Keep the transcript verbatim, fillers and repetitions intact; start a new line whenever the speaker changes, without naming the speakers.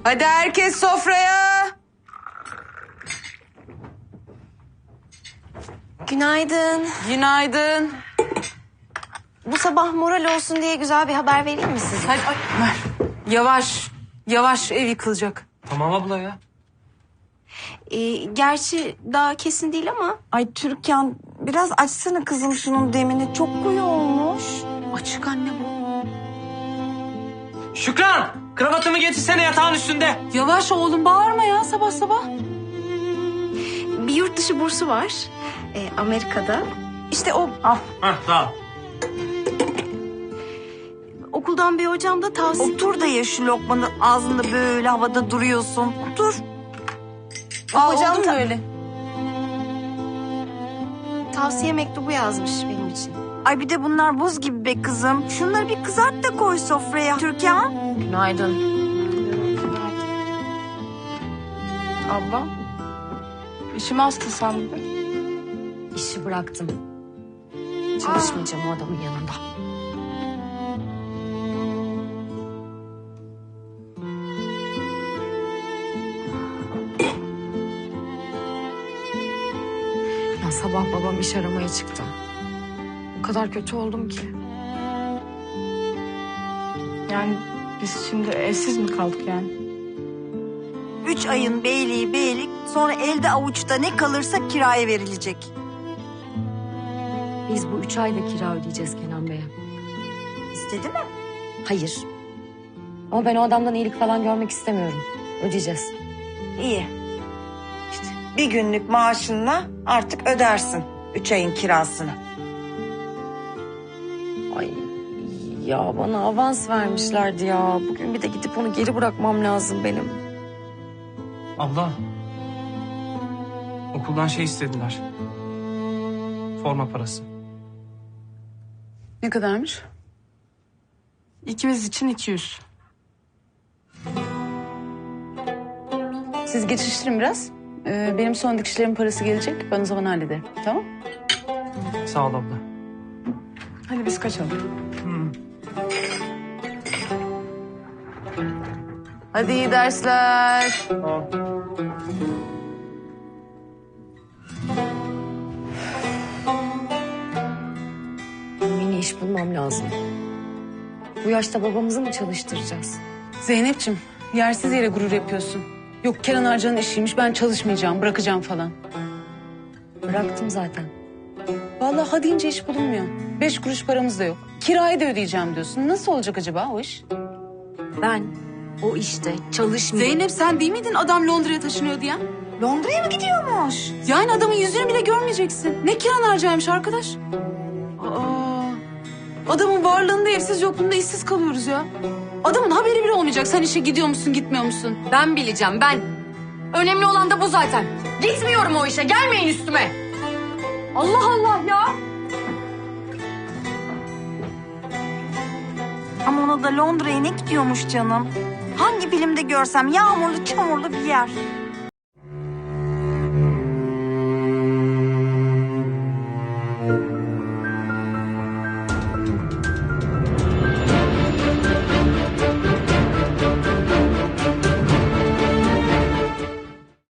Hadi herkes sofraya.
Günaydın.
Günaydın.
Bu sabah moral olsun diye güzel bir haber vereyim mi size?
Hadi ay, ver. Yavaş. Yavaş, ev yıkılacak.
Tamam abla ya.
Ee, gerçi daha kesin değil ama...
Ay Türkan biraz açsana kızım şunun demini. Çok koyu olmuş.
Açık anne bu.
Şükran! Kravatımı getirsene yatağın üstünde.
Yavaş oğlum, bağırma ya sabah sabah.
Bir yurt dışı bursu var. Ee, Amerika'da. İşte o
Hah sağ ol.
okuldan bir hocam da tavsiye...
Otur da ye şu lokmanı ağzında böyle havada duruyorsun. Otur.
Aa,
Hocam
oldu mu
ta-
böyle?
tavsiye mektubu yazmış benim için.
Ay bir de bunlar buz gibi be kızım. Şunları bir kızart da koy sofraya. Türkan.
Günaydın.
Abla, işim hasta sandım.
İşi bıraktım. Çalışmayacağım o adamın yanında.
Ya sabah babam iş aramaya çıktı. O kadar kötü oldum ki. Yani biz şimdi evsiz mi kaldık yani?
Üç ayın beyliği beylik, sonra elde avuçta ne kalırsa kiraya verilecek.
Biz bu üç ayda kira ödeyeceğiz Kenan Bey'e.
İstedi mi?
Hayır. Ama ben o adamdan iyilik falan görmek istemiyorum. Ödeyeceğiz.
İyi. İşte bir günlük maaşınla artık ödersin üç ayın kirasını.
Ay ya bana avans vermişlerdi ya. Bugün bir de gidip onu geri bırakmam lazım benim.
Abla. Okuldan şey istediler. Forma parası.
Ne kadarmış? İkimiz için iki yüz. Siz geçiştirin biraz. Ee, benim son dikişlerimin parası gelecek. Ben o zaman hallederim. Tamam?
Sağ ol abla.
Hadi biz kaçalım.
Hadi iyi dersler.
Yeni iş bulmam lazım. Bu yaşta babamızı mı çalıştıracağız?
Zeynep'ciğim, yersiz yere gurur yapıyorsun. Yok Kenan Arcan'ın işiymiş, ben çalışmayacağım, bırakacağım falan.
Bıraktım zaten.
Vallahi ha deyince iş bulunmuyor. Beş kuruş paramız da yok. Kirayı da ödeyeceğim diyorsun. Nasıl olacak acaba o iş?
Ben o işte çalışmıyorum.
Zeynep sen değil miydin adam Londra'ya taşınıyor diyen?
Londra'ya mı gidiyormuş?
Yani adamın yüzünü bile görmeyeceksin. Ne kiran harcaymış arkadaş? Aa, adamın varlığında evsiz yokluğunda işsiz kalıyoruz ya. Adamın haberi bile olmayacak. Sen işe gidiyor musun gitmiyor musun?
Ben bileceğim ben. Önemli olan da bu zaten. Gitmiyorum o işe, gelmeyin üstüme. Allah Allah ya.
Ama ona da Londra'ya ne gidiyormuş canım? Hangi filmde görsem yağmurlu çamurlu bir yer.